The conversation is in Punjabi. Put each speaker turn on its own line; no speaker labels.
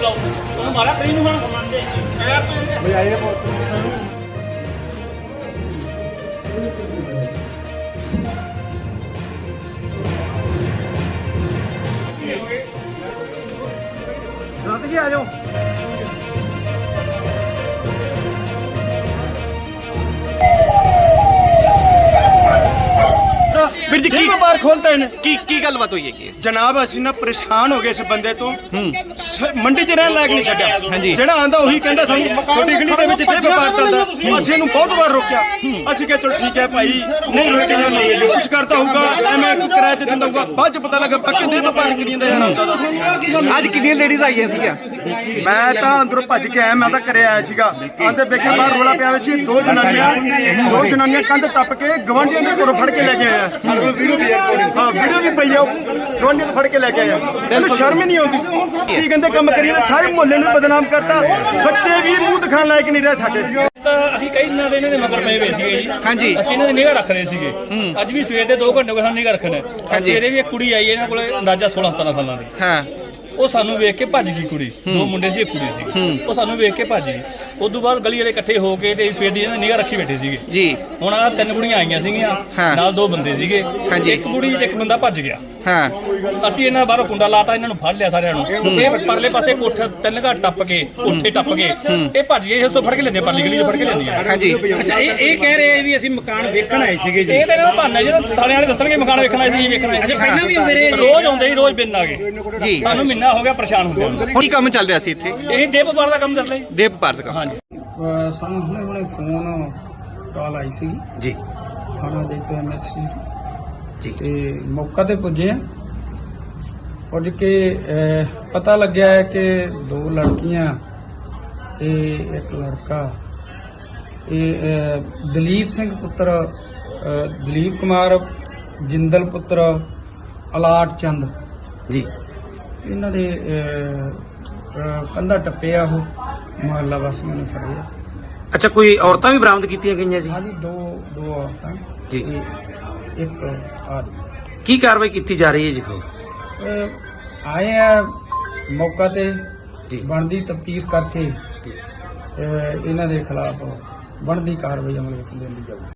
ਬੁਲਾਓ ਤੁਹਾਨੂੰ ਮਾਰਿਆ ਕਰੀ ਨੂੰ ਹੁਣ ਯਾਰ ਤੂੰ
ਬਜਾਏ
ਰਾਤ ਜੀ ਆ ਜਾਓ
ਵੀਰ ਜੀ ਕੀ ਵਪਾਰ ਖੋਲਤਾ ਇਹਨੇ
ਕੀ ਗੱਲਬਾਤ ਹੋਈ ਹੈ ਕੀ
ਜਨਾਬ ਅਸੀਂ ਨਾ ਪਰੇਸ਼ਾਨ ਹੋ ਗਏ ਇਸ ਬੰਦੇ ਤੋਂ ਮੰਡੀ 'ਚ ਰਹਿਣ ਲਾਇਕ ਨਹੀਂ ਛੱਡਿਆ
ਹਾਂਜੀ।
ਜਿਹੜਾ ਆਂਦਾ ਉਹੀ ਕਹਿੰਦਾ ਸਾਨੂੰ ਤੁਹਾਡੀ ਗਲੀ ਦੇ ਵਿੱਚ ਇੱਥੇ ਵਪਾਰ ਚੱਲਦਾ ਅਸੀਂ ਇਹਨੂੰ ਬਹੁਤ ਵਾਰ ਰੋਕਿਆ ਅਸੀਂ ਕਿਹਾ ਚਲੋ ਠੀਕ ਹੈ ਭਾਈ ਨਹੀਂ ਰੋਕਿਆ ਕੁਛ ਕਰਦਾ ਹੋਊਗਾ ਐਵੇਂ ਕਿਰਾਏ ਤੇ ਦਿੰਦਾ ਹੋਊਗਾ ਬਾਅਦ 'ਚ ਪਤਾ ਲੱਗਾ ਪੱਕੇ ਦੇ ਵਪਾਰ ਕਰੀ ਜਾਂਦਾ ਯਾਰ ਆਉਂਦਾ ਦਾ
ਅੱਜ ਕਿੰਨੀਆਂ ਲੇਡੀਜ਼ ਆਈਆਂ ਸੀਗੀਆਂ
ਮੈਂ ਤਾਂ ਅੰਦਰੋਂ ਭੱਜ ਕੇ ਆਇਆ ਮੈਂ ਤਾਂ ਘਰੇ ਆਇਆ ਸੀਗਾ ਆਂਦੇ ਵੇਖਿਆ ਬਾਹਰ ਰੋਲਾ ਪਿਆ ਹੋਇਆ ਸੀ ਦੋ ਜਨਾਨੀਆਂ ਕੰਧ ਟੱਪ ਕੇ ਗਵਾਂਢੀਆਂ ਦੇ ਘਰੋਂ ਫੜ ਕੇ ਲੈ ਕੇ ਆਇਆ ਹਾਂ ਵੀਡੀਓ ਵੀ ਪਈ ਆ ਗਵਾਂਢੀਆਂ ਤੋਂ ਫੜ ਕੇ ਲੈ ਕੇ ਆਇਆ ਇਹਨੂੰ ਸ਼ਰਮ ਹੀ ਨਹੀਂ ਆਉਂਦੀ ਕੀ ਕਹਿੰਦੇ ਕੰਮ ਕਰੀਏ ਸਾਰੇ ਮੁਹੱਲੇ ਨੂੰ ਬਦਨਾਮ ਕਰਤਾ ਬੱਚੇ ਵੀ ਮੂੰਹ ਦਿਖਾਣ ਲਾਇਕ ਨਹੀਂ ਰਹੇ ਸਾਡੇ
ਤਾਂ ਅਸੀਂ ਕਈ ਦਿਨਾਂ ਦੇ ਇਹਨਾਂ ਦੇ ਮਗਰ ਪਏ ਹੋਏ ਸੀਗੇ ਜੀ
ਹਾਂਜੀ।
ਅਸੀਂ ਇਹਨਾਂ ਦੀ ਨਿਗਾਹ ਰੱਖ ਰਹੇ ਸੀਗੇ ਅੱਜ ਵੀ ਸਵੇਰ ਦੇ 2 ਘੰਟੇ ਹੋ ਗਏ ਸਾਨੂੰ ਨਿਗਾਹ ਰੱਖਣਾ ਸਵੇਰੇ ਵੀ ਇੱਕ ਕੁੜੀ ਆਈ ਇਹਨਾਂ ਕੋਲੇ ਅੰਦਾਜ਼ਾ 16-17 ਸਾਲਾਂ ਦੀ
ਹਾਂ
ਉਹ ਸਾਨੂੰ ਵੇਖ ਕੇ ਭੱਜ ਗਈ ਕੁੜੀ ਦੋ ਮੁੰਡੇ ਸੀ ਇੱਕ ਕੁੜੀ ਸੀ ਉਹ ਸਾਨੂੰ ਵੇਖ ਕੇ ਭੱਜ ਗਈ ਉਦੋਂ ਬਾਅਦ ਗਲੀ ਵਾਲੇ ਇਕੱਠੇ ਹੋ ਕੇ ਤੇ ਸਵੇਰ ਦੀ ਇਹਨਾਂ ਨਿਗਾਹ ਰੱਖੀ ਬੈਠੇ ਸੀਗੇ
ਜੀ
ਹੁਣ ਆ 3 ਕੁੜੀਆਂ ਆਈਆਂ ਸੀਗੀਆਂ
ਹਾਂ।
ਨਾਲ 2 ਬੰਦੇ ਸੀਗੇ
ਹਾਂਜੀ।
ਇੱਕ ਕੁੜੀ ਤੇ ਇੱਕ ਬੰਦਾ ਭੱਜ ਗਿਆ
ਹਾਂ
ਅਸੀਂ ਇਹਨਾਂ ਬਾਹਰੋਂ ਕੁੰਡਾ ਲਾਤਾ ਇਹਨਾਂ ਨੂੰ ਫੜ ਲਿਆ ਸਾਰਿਆਂ ਨੂੰ ਇਹ ਪਰਲੇ ਪਾਸੇ ਕੋਠਾ 3 ਘਾਟ ਟੱਪ ਕੇ ਕੋਠੇ ਟੱਪ ਕੇ ਇਹ ਭੱਜ ਗਏ ਇਸ ਤੋਂ ਫੜ ਕੇ ਲੈਂਦੇ ਪਰਲੀ ਗਲੀ 'ਚ ਫੜ ਕੇ ਲੈਂਦੀਆਂ
ਹਾਂਜੀ
ਅੱਛਾ ਇਹ ਕਹਿ ਰਹੇ ਆ ਵੀ ਅਸੀਂ ਮਕਾਨ ਵੇਖਣ ਆਏ ਸੀਗੇ ਜੀ ਇਹ ਤਾਂ ਇਹਨਾਂ ਦਾ ਬਹਾਨਾ ਜਿਹੜਾ ਥਾਣੇ ਵਾਲੇ ਦੱਸਣਗੇ ਮਕਾਨ ਵੇਖਣ ਆਏ ਸੀ ਵੇਖਣ ਆਏ ਸੀ ਪਹਿਲਾਂ ਵੀ ਹੁੰਦੇ ਰਹੇ ਰੋਜ਼ ਆਉਂਦੇ ਸੀ ਰੋਜ਼ ਬਿਨ ਆ ਗਏ
ਜੀ
ਸਾਨੂੰ ਮਹੀਨਾ ਹੋ ਗਿਆ ਪਰੇਸ਼ਾਨ ਹੁੰਦੇ
ਹੁਣ ਕੀ ਕੰਮ ਚੱਲ ਰਿਹਾ ਸੀ ਇੱਥੇ
ਇਹ ਦੇਹ ਵਪਾਰ ਦਾ ਕੰਮ ਚੱਲਦਾ ਜੀ
ਦੇਵ ਵਪਾਰ ਦਾ ਕੰਮ
ਹਾਂਜੀ
ਸਾਨੂੰ ਹੁਣੇ ਫੋਨ ਕਾਲ ਆਈ ਸੀ
ਜੀ
ਥਾਣਾ ਦੇ ਕੇ ਐਮਐਸਸੀ
ਜੀ
ਤੇ ਮੌਕਾ ਤੇ ਪੁੱਜੇ ਆ ਪੁੱਜ ਕੇ ਪਤਾ ਲੱਗਿਆ ਹੈ ਕਿ 2 ਲੜਕੀਆਂ ਤੇ ਇੱਕ ਲੜਕਾ ਇਹ ਦਲੀਪ ਸਿੰਘ ਪੁੱਤਰ ਦਲੀਪ ਕੁਮਾਰ ਜਿੰਦਲ ਪੁੱਤਰ ਅਲਾਟ ਚੰਦ
ਜੀ
ਇਹਨਾਂ ਦੇ ਕੰਧਾ ਟੱਪਿਆ ਉਹ ਮੁਹੱਲਾ ਵਾਸੀਆਂ ਨੇ ਫੜਿਆ
ਅੱਛਾ ਕੋਈ ਔਰਤਾਂ ਵੀ ਬਰਾਮਦ ਕੀਤੀਆਂ ਗਈਆਂ ਸੀ
ਹਾਂਜੀ ਦੋ ਔਰਤਾਂ
ਜੀ।
ਤੇ ਇੱਕ ਆਦਮੀ
ਕੀ ਕਾਰਵਾਈ ਕੀਤੀ ਜਾ ਰਹੀ ਹੈ ਜੀ ਫਿਰ
ਆਏ ਆ ਮੌਕਾ ਤੇ
ਜੀ।
ਬਣਦੀ ਤਫਤੀਸ਼ ਕਰਕੇ ਇਹਨਾਂ ਦੇ ਖਿਲਾਫ ਬਣਦੀ ਕਾਰਵਾਈ ਅਮਲ ਵਿੱਚ ਲਿਆਂਦੀ ਜਾਊਗੀ।